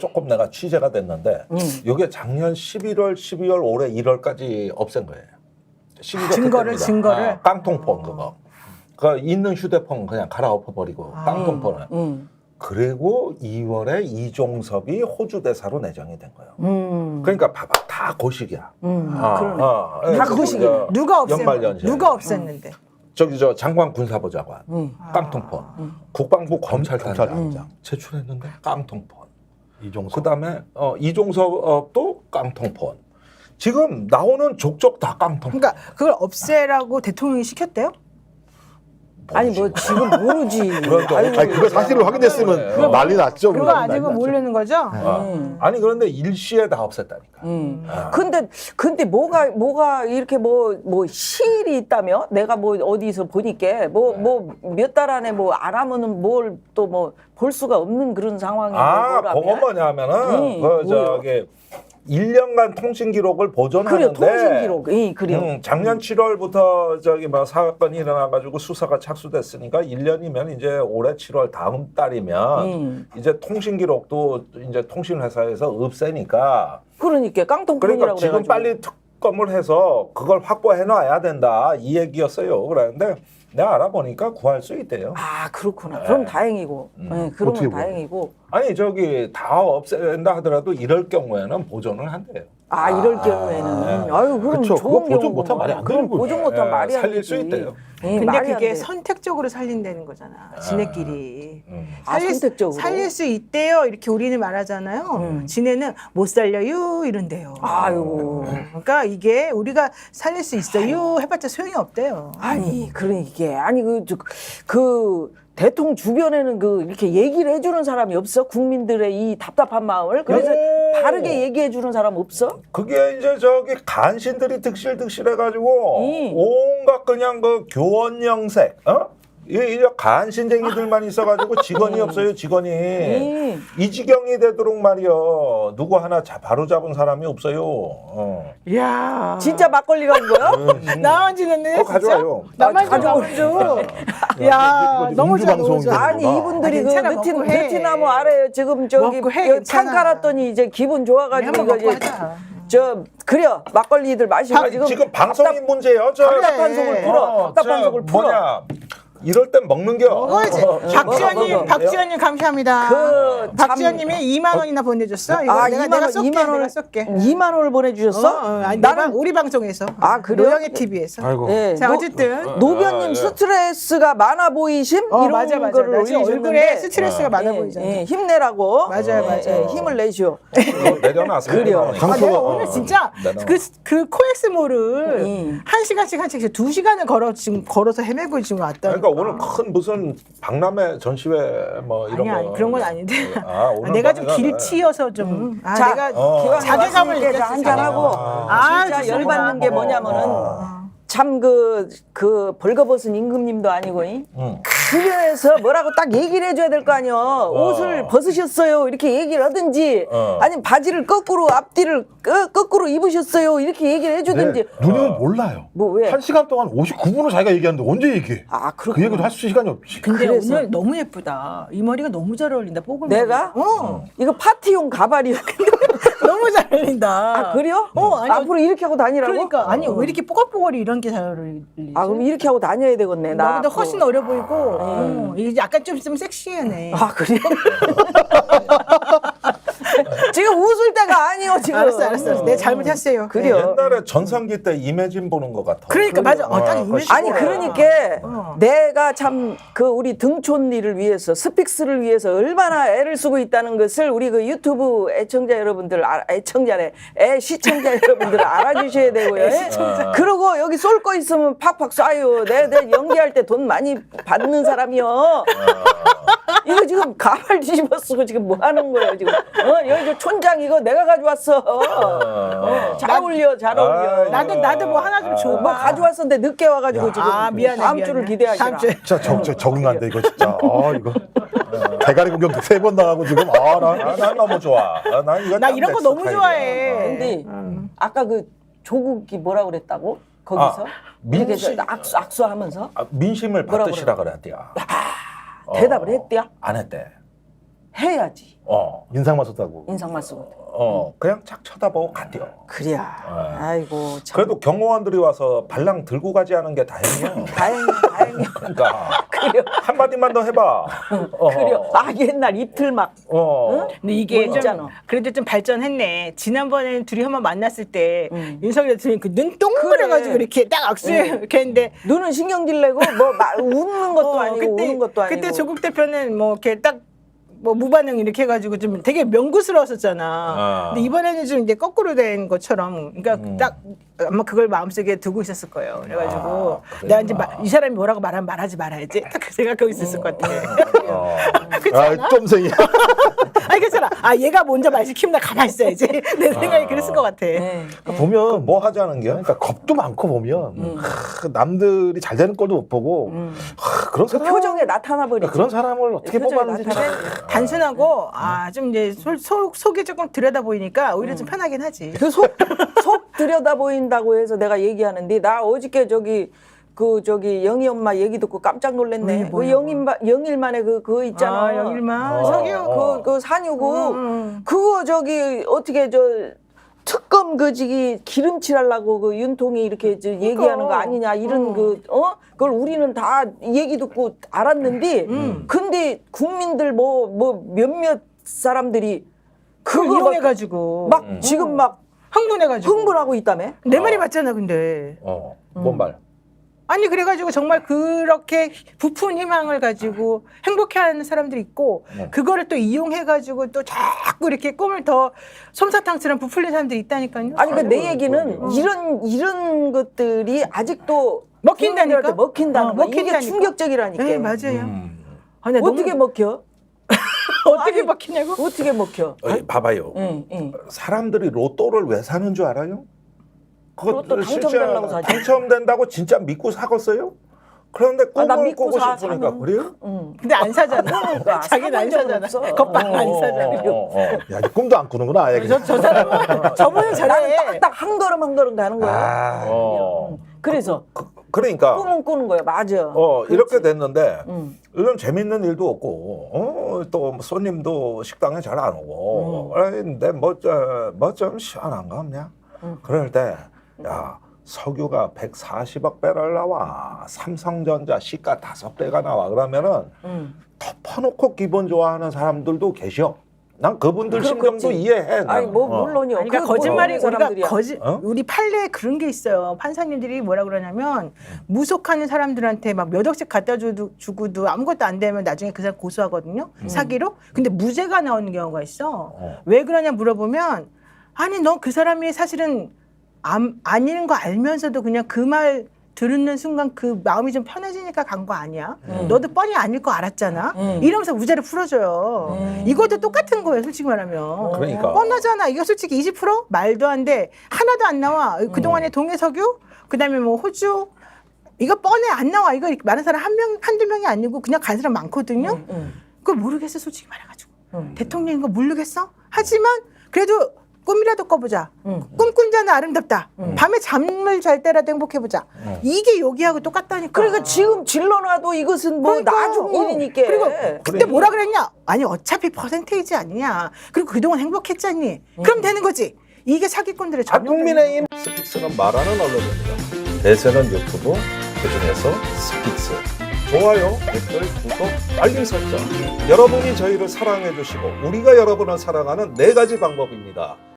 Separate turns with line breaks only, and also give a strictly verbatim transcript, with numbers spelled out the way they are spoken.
조금 내가 취재가 됐는데
음.
이게 작년 십일월, 십이월, 올해 일월까지 없앤 거예요.
증거를 증거를
아, 깡통폰 그거. 그 있는 휴대폰 그냥 갈아엎어 버리고
아.
깡통폰을.
음.
그리고 이월에 이종섭이 호주 대사로 내정이 된 거예요.
음.
그러니까 봐봐 다 고식이야.
음.
아,
그러네.
아,
다
그
고식이네.
저
누가 없앴
연말연시.
누가 없앴는데
저기 저 장관 군사보좌관
음.
깡통폰,
음.
국방부 검찰단장
검찰단장.
제출했는데 깡통폰.
이종석.
그다음에 어, 이종섭도 깡통폰. 지금 나오는 족족 다 깡통폰.
그러니까 그걸 없애라고 대통령이 시켰대요?
아니 뭐 지금 모르지.
그래도
아이고,
아니 그거 사실을 확인했으면
그거
난리 났죠.
그거
그건
아니고
난리 났죠.
모르는 거죠?
아,
음.
아니 그런데 일시에 다 없앴다니까.
음.
아.
근데 근데 뭐가 뭐가 이렇게 뭐 뭐 시일이 있다며? 내가 뭐 어디서 보니까 뭐 뭐 몇 달 안에 뭐 안 하면은 뭘 또 뭐 볼 수가 없는 그런 상황이
아,
뭐라며?
그거 뭐냐면은
음,
그
뭐요?
저기 일 년간 통신 기록을
그래
보존하는데
통신 기록, 이 그래요.
음, 작년 칠월부터 저기 뭐 사건이 일어나가지고 수사가 착수됐으니까 일 년이면 이제 올해 칠월 다음 달이면
음.
이제 통신 기록도 이제 통신 회사에서 없애니까
그러니까 깡통폰이라고
그러니까 지금
그래가지고.
빨리 특검을 해서 그걸 확보해 놔야 된다 이 얘기였어요. 그랬는데 내가 알아보니까 구할 수 있대요.
아 그렇구나.
네.
그럼 다행이고.
음.
네, 그러면
어떻게 보면.
다행이고.
아니 저기 다 없앤다 하더라도 이럴 경우에는 보존을 한대요.
아 이럴 경우에는
네.
아유 그럼
그쵸.
좋은
그거 보존
경우구만.
못하면 말이 안
그럼
되는 거죠.
보존 못하면
예,
말이 안
살릴
되지.
수 있대요.
예,
근데
말이 안
그게
돼.
선택적으로 살린다는 거잖아. 지네끼리.
음.
아,
살릴, 수-
선택적으로.
살릴 수 있대요. 이렇게 우리는 말하잖아요.
음.
지네는 못 살려요 이런대요.
아유.
그러니까 이게 우리가 살릴 수 있어요 해봤자 소용이 없대요.
아니 그런 이게 아니 그, 저, 그 대통령 주변에는 그 이렇게 얘기를 해주는 사람이 없어 국민들의 이 답답한 마음을 그래서
오.
바르게 얘기해주는 사람 없어?
그게 이제 저기 간신들이 득실득실해가지고
음.
온갖 그냥 그 교원 영색, 어? 이 이제 간신쟁이들만 있어가지고 직원이 없어요 직원이.
음.
이 지경이 되도록 말이요 누구 하나 자, 바로 잡은 사람이 없어요. 어.
이야.
진짜 막걸리라는 거야?
음.
나만 지냈네.
어, 가져와요.
나만 줘,
가져와.
나만 줘. 야,
이거
너무
음주
좋아, 너무
방송이
좋아.
아니
아,
이분들이
아,
그
괜찮아,
베트,
먹고 해.
베트남 아래에 지금 저기
먹고 해,
그
괜찮아.
창 깔았더니 이제 기분 좋아가지고
한번
이거
먹고
이제
하자.
저 그래요 막걸리들 마시고
아니,
지금
지금 방송이 문제예요. 저
답답한 속을 풀어.
어,
답답한
저
속을 풀어.
뭐냐 이럴 땐 먹는 겨.
먹어야지.
어, 어,
박지현님,
먹어, 먹어.
박지현님 감사합니다.
그
박지현님이 이만 원이나 보내줬어. 이거
아,
내가
이만
내가
원,
쏠게.
이만 원을
내가 쏠게.
이만 원을 보내주셨어?
어, 어, 아니,
나는
나는 우리 방송에서.
아, 그래요?
노영의 티비에서.
아이고.
예,
자
노-
어쨌든
노변님
아, 예.
스트레스가 많아 보이심
어,
이런
맞아 맞아.
거를
나 지금
올리셨는데
얼굴에 스트레스가 많아
예,
보이잖아.
예, 힘내라고
맞아요,
예,
맞아요.
예, 힘을 내시오.
어, 내려놔서
그래요.
아, 내가
어,
오늘 진짜
내려놔.
그, 그 코엑스몰을
음.
한 시간씩 한 시간씩 두 시간을 걸어 지금 걸어서 헤매고 지금 왔다.
그러니까 오늘 큰 무슨 박람회 전시회 뭐 이런
아니
거
아니 그런 건 아닌데.
아, 오늘
아, 내가 좀
뭐
길치여서 좀. 아,
자,
내가
어.
기왕
자괴감을
왔으니까
느꼈어.
한잔하고
아,
진짜
좋습니다.
열받는 게 뭐냐면은 참 그 그 벌거벗은 임금님도 아니고 이?
응.
주변에서 뭐라고 딱 얘기를 해줘야 될 거 아니요. 옷을 벗으셨어요 이렇게 얘기를 하든지
어.
아니면 바지를 거꾸로 앞뒤를 거, 거꾸로 입으셨어요 이렇게 얘기를 해주든지.
네, 누님은 몰라요.
뭐 왜?
한 시간 동안 오십구 분을 자기가 얘기하는데 언제 얘기해?
아
그
그렇구나.
얘기도 할 수 시간이 없지.
근데
그래서.
오늘 너무 예쁘다. 이 머리가 너무 잘 어울린다. 뽀글.
내가?
어.
이거 파티용 가발이야.
너무 잘 어울린다.
아 그래요?
어, 아니,
앞으로 이렇게 하고 다니라고?
그러니까 아니 왜 이렇게 뽀글뽀글이 이런 게 잘 어울리지?
아 그럼 이렇게 하고 다녀야 되겠네. 나
나보다
앞으로.
훨씬 어려 보이고 어, 이게 약간 좀, 좀 섹시하네.
아 그래? 지금 웃을 때가 아니요 지금.
알았어, 알았어, 알았어. 내가 잘못했어요.
그래요.
옛날에 전성기 때 이매진 보는 것 같아.
그러니까 맞아. 어, 딱
어,
이미지.
아니 그러니까
어.
내가 참 그 우리 등촌리를 위해서 스픽스를 위해서 얼마나 애를 쓰고 있다는 것을 우리 그 유튜브 애청자 여러분들 아, 애청자네 애 시청자 여러분들 알아주셔야 되고요. 예? 그리고 여기 쏠 거 있으면 팍팍 쏴요. 내, 내 연기할 때 돈 많이 받는 사람이요. 이거 지금 가발 뒤집어 쓰고 지금 뭐 하는 거예요 지금? 어 여기 저 촌장 이거 내가 가져왔어. 어, 잘 어울려 잘 어울려.
아,
나도 나도 뭐 하나 좀 줘봐.
뭐 가져왔었는데 늦게 와가지고 지금
아 미안해.
다음
미안해.
주를 기대하시라.
다음 주에.
진짜 적, 적, 적응 안 돼 이거 진짜. 아 이거 대가리 구경 세 번 나가고 지금 아나
아, 난 너무 좋아. 아, 난 이거
나
딱
이런
내
거 너무
스타일이야.
좋아해.
근데
음.
아까 그 조국이 뭐라 그랬다고? 거기서?
아,
이렇게
민심-
저 악수, 악수하면서
아, 민심을
뭐라
받으시라 그랬대요.
대답을 했대요?
안 했대.
해야지.
어,
인상만 썼다고.
인상만 쓰고.
어, 그냥 착 쳐다보고 간대요.
그래야. 아이고 참.
그래도 경호원들이 와서 발랑 들고 가지 않은 게 다행이야.
다행이야, 다행이야.
그러니까
그래요.
한 마디만 더 해봐. 어.
그래요. 아 옛날 입틀 막.
어.
근데 이게
뭐
좀
있잖아.
그래도 좀 발전했네. 지난번에 둘이 한번 만났을 때
음.
윤석열 대통령이 그눈 동그래가지고
그래.
이렇게 딱 악수 이렇게 했는데
눈은 신경질 내고 뭐 말, 웃는 것도
어,
아니고 우는 것도 아니고.
그때 조국 대표는 뭐 이렇게 딱 뭐 무반응 이렇게 해가지고 좀 되게 명구스러웠었잖아.
아.
근데 이번에는 좀 이제 거꾸로 된 것처럼, 그러니까
음.
딱 아마 그걸 마음속에 두고 있었을 거예요. 그래가지고
아,
내가 이제
그랬구나.
마- 이 사람이 뭐라고 말하면 말하지 말아야지. 딱 그 생각하고 있었을 것 같아.
어.
그렇지
아,
않아?
쫌생이야.
아니 괜찮아. 아 얘가 먼저 말 시키면 나 가만히 있어야지. 내 생각이 그랬을 것 같아.
네.
보면
뭐 하자는 게?
그러니까 겁도 많고 보면 하, 남들이 잘 되는 꼴도 못 보고 하, 그런
그
사람
표정에 나타나 버리지.
그런 사람을 어떻게
표정에
뽑았는지
나타나.
참.
단순하고 아 좀 이제 속, 속, 속이 조금 들여다 보이니까 오히려
음.
좀 편하긴 하지.
그 속 속 들여다 보인다고 해서 내가 얘기하는데 나 어저께 저기 그 저기 영희 엄마 얘기 듣고 깜짝
왜,
놀랐네. 그
뭐야,
영일 영일만에 그 그거 있잖아.
아, 영일만
어.
석유.
그, 그 산유고
음, 음.
그거 저기 어떻게 저 특검 그 지기 기름칠하려고 그 윤통이 이렇게 저 얘기하는 거 아니냐 이런
음.
그 어 그걸 우리는 다 얘기 듣고 알았는데
음.
근데 국민들 뭐 뭐 몇몇 사람들이
그걸
그거 막,
이용해가지고
막
음.
지금 막
흥분해가지고
흥분하고 있다며?
내 말이 맞잖아. 근데
어. 뭔 말?
아니 그래가지고 정말 그렇게 부푼 희망을 가지고 행복해하는 사람들이 있고
네.
그거를 또 이용해가지고 또 자꾸 이렇게 꿈을 더 솜사탕처럼 부풀린 사람들이 있다니까요.
아니 그 내
아이고,
얘기는
그러게요.
이런 이런 것들이 아직도
먹힌다니까?
국민들한테 먹힌다는
어,
거 이게
먹힌다니까?
충격적이라니까.
네 맞아요.
음.
아니, 나
어떻게
너무-
먹혀?
어떻게
아니,
먹히냐고?
어떻게 먹혀?
어이, 봐봐요.
응, 응.
사람들이 로또를 왜 사는 줄 알아요?
로또
그거 실제
당첨되려고 사지.
당첨된다고 진짜 믿고 사겠어요? 그런데
아, 나
꿈을
믿고
꾸고
사,
싶으니까
사는.
그래요?
응.
근데 안 사잖아.
그러니까
자기는 안
사본 적은
사잖아.
없어.
겉방 안
어,
사잖아.
어, 어.
야, 이제 꿈도 안 꾸는구나. 아예
저,
그냥.
저 사람은 저분은
나는
저래.
딱딱 한 걸음 한 걸음 가는 거야.
아,
어.
응. 그래서
그, 그러니까
꿈은 꾸는 거야. 맞아.
어, 이렇게 됐는데
응.
요즘 재밌는 일도 없고 어, 또 손님도 식당에 잘 안 오고 그런데 뭐좀뭐좀 시원한 거 없냐?
음.
그럴 때 야 석유가 백사십억 배럴 나와 삼성전자 시가 다섯 배가 나와 그러면은
응.
덮어놓고 기분 좋아하는 사람들도 계셔. 난 그분들 심정도
그렇겠지.
이해해.
아니
나는.
뭐
어.
물론이요.
아니, 그러니까
그
거짓말이
모르는
우리가
사람들이야.
거짓
어?
우리 판례에 그런 게 있어요. 판사님들이 뭐라 그러냐면 무속하는 사람들한테 막 몇 억씩 갖다 주도, 주고도 아무것도 안 되면 나중에 그 사람 고소하거든요. 사기로. 근데 무죄가 나오는 경우가 있어.
어.
왜 그러냐 물어보면 아니 너 그 사람이 사실은 안, 아닌 거 알면서도 그냥 그 말 들은 순간 그 마음이 좀 편해지니까 간 거 아니야?
음.
너도 뻔히 아닐 거 알았잖아?
음.
이러면서 무죄를 풀어줘요.
음.
이것도 똑같은 거예요, 솔직히 말하면.
그러니까.
뻔하잖아. 이거 솔직히 이십 퍼센트 말도 안 돼. 하나도 안 나와. 그동안에 동해석유, 그 다음에 뭐 호주, 이거 뻔해 안 나와. 이거 많은 사람 한 명, 한두 명이 아니고 그냥 간 사람 많거든요.
응.
그걸 모르겠어, 솔직히 말해가지고.
응.
대통령인 거 모르겠어? 하지만 그래도 꿈이라도 꿔보자.
응.
꿈꾼 자는 아름답다. 밤에 잠을 잘 때라도 행복해보자. 이게 여기하고 똑같다니까.
그러니까 지금 질러놔도 이것은 뭐
그러니까,
나중
어.
일이니까.
그리고 그때
그러니까.
뭐라 그랬냐? 아니 어차피 퍼센테이지 아니냐. 그리고 그동안 행복했잖니. 그럼 되는 거지. 이게 사기꾼들의
아,
전용.
국민의힘 스픽스는 말하는 언론입니다. 대세는 유튜브, 그중에서 스픽스. 좋아요, 댓글, 구독, 알림 설정. 여러분이 저희를 사랑해 주시고 우리가 여러분을 사랑하는 네 가지 방법입니다.